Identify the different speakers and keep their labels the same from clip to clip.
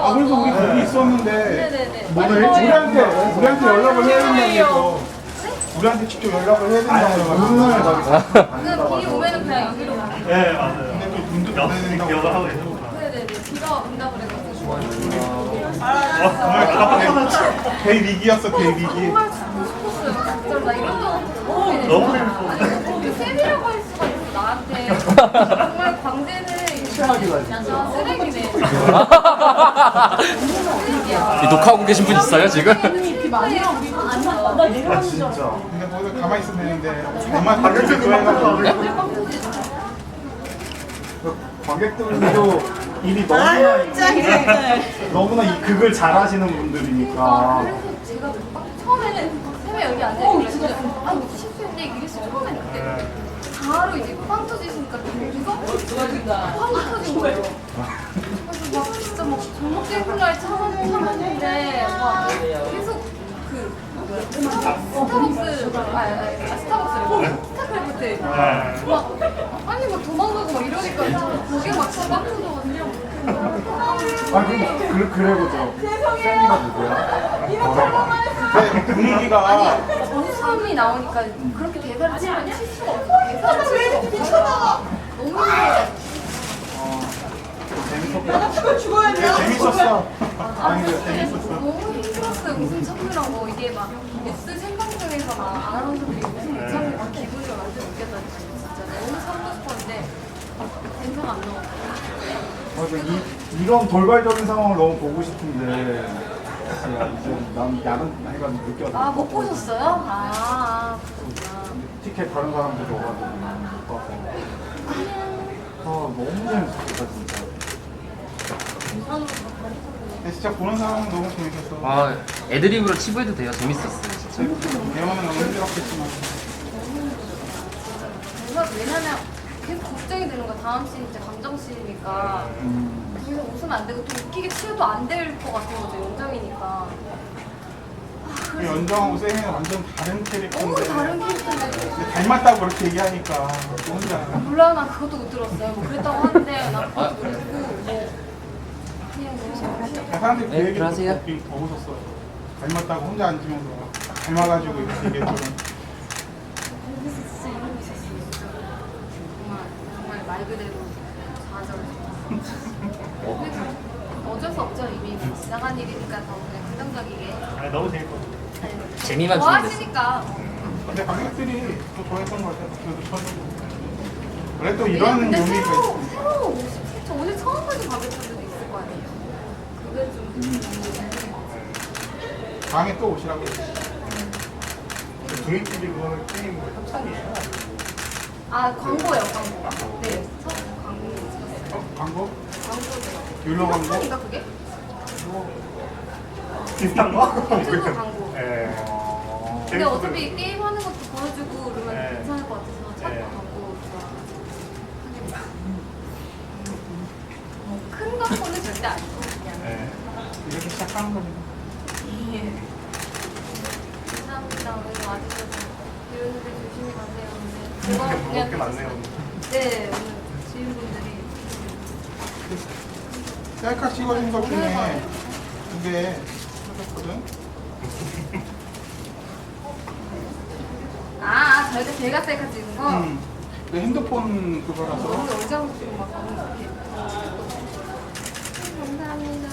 Speaker 1: 아, 그래서 우리 거기 있었는데
Speaker 2: 네네네.
Speaker 1: 우리한테 연락을 해야 된다고. 우리한테 직접 연락을 해야 된다고.
Speaker 2: 그 비 오면은 그냥 여기로 가요.
Speaker 3: 네, 맞아요.
Speaker 1: 근데 또 돈도
Speaker 3: 역습 기억을 하고 계세요.
Speaker 2: 네네네. 비가 온다 그래가지고.
Speaker 3: 정말 깜빡하면
Speaker 1: 개 위기였어, 개 위기.
Speaker 2: 정말 죽고 싶었어요. 진짜 나 이런 거
Speaker 3: 너무
Speaker 2: 아니 쌤이라고 할 수가 있어 나한테. 정말 광대는 진짜 쓰레기네.
Speaker 4: 이 녹화하고 계신 분 있어요 지금?
Speaker 3: 아, 진짜.
Speaker 1: 근데 거기서 가만히 있으면 되는데 정말 관객들도 해가지고 관객들도 일이 너무나 이 극을 잘하시는 분들이니까.
Speaker 2: 그래서 제가 막 처음에는 쌤이 여기 앉아있길래 진짜 아 이거 실수인데 이랬어요. 처음에는 그때 바로 이제 빵 터지시니까 여기서 빵 터진 거예요. 그래서 막 진짜 막 정목된 날 참았는데 막 계속 그 스타벅스 스타벅스래 스타크래프트 막 아니 막 도망가고 막 이러니까 거기에 막 빵 터져가지고
Speaker 1: 아, 그래보죠. 샌디가 누구야? 네, 분위기가
Speaker 2: 원수함이 나오니까 그렇게 대사를 치면 칠 수가 없어. 대사를 칠 수가 없어. 너무 힘들어.
Speaker 1: 재밌었어.
Speaker 2: 아, 재밌었어. 너무 힘들었어요. 웃음 참느라고 이게 막 뉴스 생방송에서 막 아나운서들이 웃음 못 참는 그 기분을 완전 느꼈다니까요. 진짜 너무 참고 싶었는데 대사가 안 나와.
Speaker 1: 맞아, 이런 돌발적인 상황을 너무 보고 싶은데 진짜 이제 난 야근 해가지고 늦게
Speaker 2: 아,
Speaker 1: 와서
Speaker 2: 못 보셨어요? 그렇구나.
Speaker 1: 티켓 다른 사람들 줘가지고 못 봐서 너무 재밌었다 진짜. 근데 진짜 보는 사람은 너무 재밌었어.
Speaker 4: 아 애드립으로 치부해도 돼요. 재밌었어요 진짜.
Speaker 1: 대만은 너무 힘들었겠지만
Speaker 2: 왜냐면 계속 걱정이 되는 거야. 다음 씬 이제 감정씬이니까 그래서 웃으면 안 되고 또 웃기게 치워도 안 될 것 같은 거죠. 연정이니까.
Speaker 1: 그 연정하고 쌤이는 완전 다른
Speaker 2: 너무
Speaker 1: 캐릭터인데
Speaker 2: 다른 캐릭터인데
Speaker 1: 근데 닮았다고 그렇게 얘기하니까 또 혼자
Speaker 2: 몰라 나 그것도 못 들었어요. 뭐 그랬다고 하는데 나 그것도 모르고 뭐 그냥 너무
Speaker 1: 사람들이 그
Speaker 4: 네,
Speaker 1: 얘기를
Speaker 4: 들어가세요.
Speaker 1: 듣고 더 웃었어요. 닮았다고 혼자 앉으면서 닮아가지고 이렇게 얘기했거든.
Speaker 2: 진짜 이러고 있었어요. 정말 말 그대로 좌절. 어쩔 수 없죠. 이미 지나간 일이니까 더 그냥 긍정적이게.
Speaker 3: 아, 너무 재밌거든요.
Speaker 4: 재미만 주면 됐어.
Speaker 2: 좋아하시니까.
Speaker 1: 근데 관객들이 또 좋아했던 것 같아요. 그래도 처음에. 원래 또 이런
Speaker 2: 근데
Speaker 1: 묘미가
Speaker 2: 새로
Speaker 1: 있어.
Speaker 2: 새로 오실 저 오늘 처음 보는 관객분들도 있을 거 아니에요. 그게 좀
Speaker 1: 다음에 또 오시라고.
Speaker 3: 종이TV 그거는 게임 뭐 협찬이에요?
Speaker 2: 아 광고요 광고. 네 첫 광고 찍었어요.
Speaker 1: 광고?
Speaker 2: 광고죠.
Speaker 1: 율로 광고?
Speaker 2: 협찬인가 그게?
Speaker 3: 비슷한 거?
Speaker 2: 유튜브 광고.
Speaker 3: 네.
Speaker 2: 근데 어차피 게임 하는 것도 보여주고 그러면
Speaker 3: 네.
Speaker 2: 괜찮을 것 같아서 첫
Speaker 3: 네.
Speaker 2: 광고 큰 광고는 절대 아니고 그냥.
Speaker 3: 네.
Speaker 1: 이렇게 시작하는 거지.
Speaker 2: 예. 감사합니다. 오늘 와주셔서 이런데 조심히 가세요. 오늘
Speaker 3: 먹을 게 많네요.
Speaker 2: 네 오늘 지인분들이
Speaker 1: 셀카 찍어준 것 중에 2개 찾았거든.
Speaker 2: 저희가 제가 셀카 찍은 거.
Speaker 1: 내 핸드폰 그거라서.
Speaker 2: 너무 얼짱 찍고 막 너무 이렇게. 감사합니다.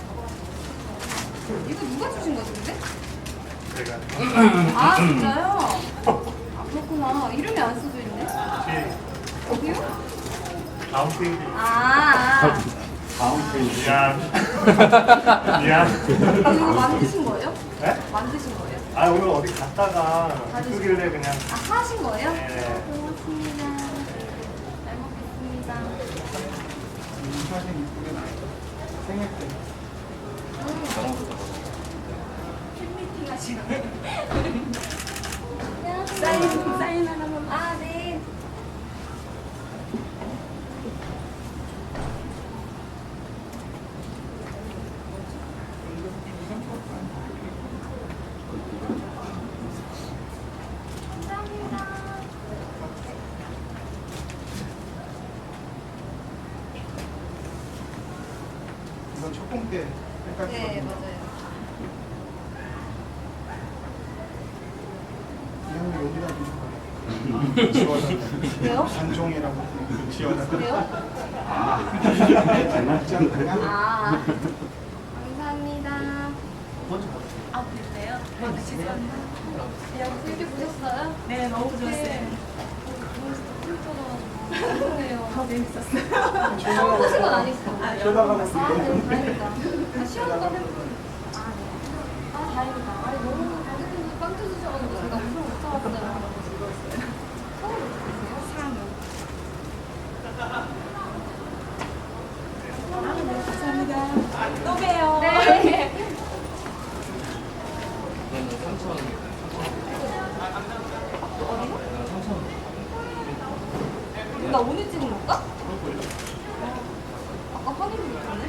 Speaker 2: 이거 누가 주신 거지 근데?
Speaker 3: 제가
Speaker 2: 아 진짜요? 아 그렇구나. 이름이 안 써져 있네.
Speaker 3: 혹시
Speaker 2: 어디요?
Speaker 3: 다음 페이지.
Speaker 1: 다음 페이지.
Speaker 3: 미안. 미안.
Speaker 2: 이거 만드신 거예요?
Speaker 3: 네?
Speaker 2: 만드신 거예요?
Speaker 3: 아, 오늘 어디 갔다가 쓰길래 그냥.
Speaker 2: 아 하신 거예요?
Speaker 3: 네.
Speaker 2: 고맙습니다. 잘 먹겠습니다.
Speaker 1: 사진 이쁘게 나왔어. 생일 때.
Speaker 2: 팬미팅 하시네. 사인 하나만. 아 네. 감사합니다.
Speaker 1: 이건 첫공 때 헷갈렸거든요.
Speaker 2: 네, 맞아요.
Speaker 1: 그냥 여기다 두고 지원하다.
Speaker 2: 왜요?
Speaker 1: 단종이라고 지원하다.
Speaker 2: 그래요?
Speaker 1: 장난장
Speaker 2: 아, 감사합니다. 아, 그래요? 네, 죄송합니다. 이렇게 보셨어요?
Speaker 5: 네, 너무 좋았어요.
Speaker 2: 죄송해요.
Speaker 5: 더 재밌었어요.
Speaker 2: 처음 보신 건 아니시죠?
Speaker 1: 쳐다가고
Speaker 2: 아,
Speaker 1: 있는데.
Speaker 2: 네, 다행이다. 시원한 거 해보고. 아, 네. 아, 다행이다. 아니, 너무 가족분들 빵 터주셔가지고 제가 웃음 못 참았어요. 처음 보셨어요?
Speaker 5: 감사합니다. 또 봬요.
Speaker 2: 네.
Speaker 4: 이거는 3,000원.
Speaker 2: 나 오늘 찍은 건가? 아까 확인 못했네.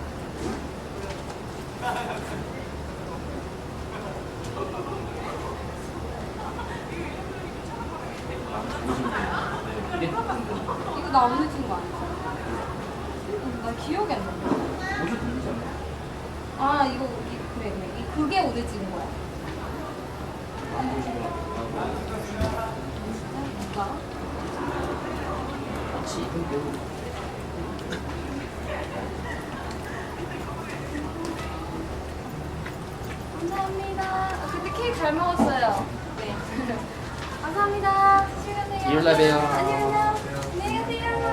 Speaker 2: 이거 나 오늘 찍은 거 아니야? 나 기억이 안 나. 아 이거 그래. 그게 오늘 찍은 거야. 진짜? 뭔가? 감사합니다. 그때 케이크 잘 먹었어요. 네. 감사합니다. 조심히 가세요.
Speaker 4: 일요일날 봬요.
Speaker 2: 안녕.